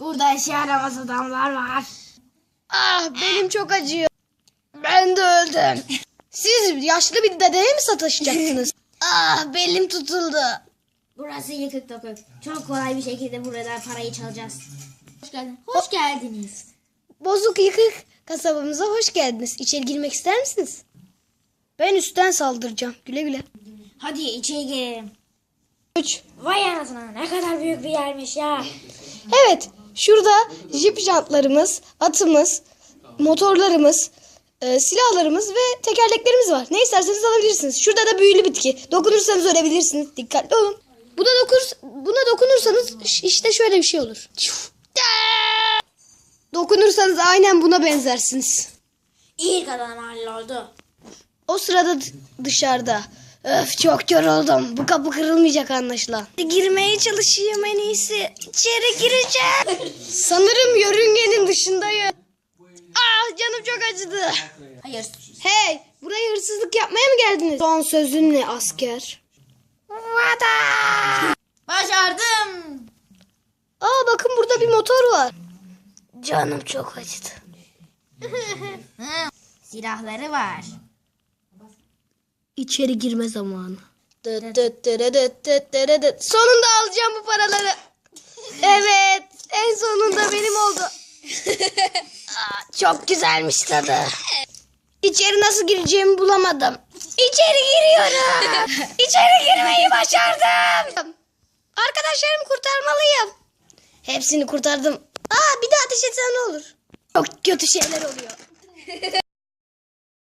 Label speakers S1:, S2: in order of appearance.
S1: Burada işe yaramaz adamlar var.
S2: Ah benim çok acıyor. Ben de öldüm. Siz yaşlı bir dedeye mi sataşacaksınız? Ah belim tutuldu.
S1: Burası yıkık dokuk. Çok kolay bir şekilde buradan parayı çalacağız. Hoş geldin. Hoş geldiniz.
S2: Bozuk yıkık kasabamıza hoş geldiniz. İçeri girmek ister misiniz? Ben üstten saldıracağım. Güle güle.
S1: Hadi içeri girelim.
S2: 3.
S1: Vay anasına, ne kadar büyük bir yermiş ya.
S2: Evet. Şurada jip jantlarımız, atımız, motorlarımız, silahlarımız ve tekerleklerimiz var. Ne isterseniz alabilirsiniz. Şurada da büyülü bitki. Dokunursanız ölebilirsiniz. Dikkatli olun. Buna dokunursanız işte şöyle bir şey olur. Dokunursanız aynen buna benzersiniz.
S1: İlk adam halloldu.
S2: O sırada dışarıda. Öf çok yoruldum. Bu kapı kırılmayacak anlaşılan. Girmeye çalışayım en iyisi. İçeri gireceğim. Sanırım yörüngenin dışındayım. Ah canım çok acıdı.
S1: Hayır.
S2: Hey buraya hırsızlık yapmaya mı geldiniz? Son sözün ne asker?
S1: Başardım.
S2: Aa bakın burada bir motor var. Canım çok acıdı.
S1: Silahları var.
S2: İçeri girme zamanı. Sonunda alacağım bu paraları. Evet, en sonunda benim oldu. Aa, çok güzelmiş tadı. İçeri nasıl gireceğimi bulamadım. İçeri giriyorum. İçeri girmeyi başardım. Arkadaşlarımı kurtarmalıyım. Hepsini kurtardım. Aa, bir daha ateş etsen ne olur? Çok kötü şeyler oluyor.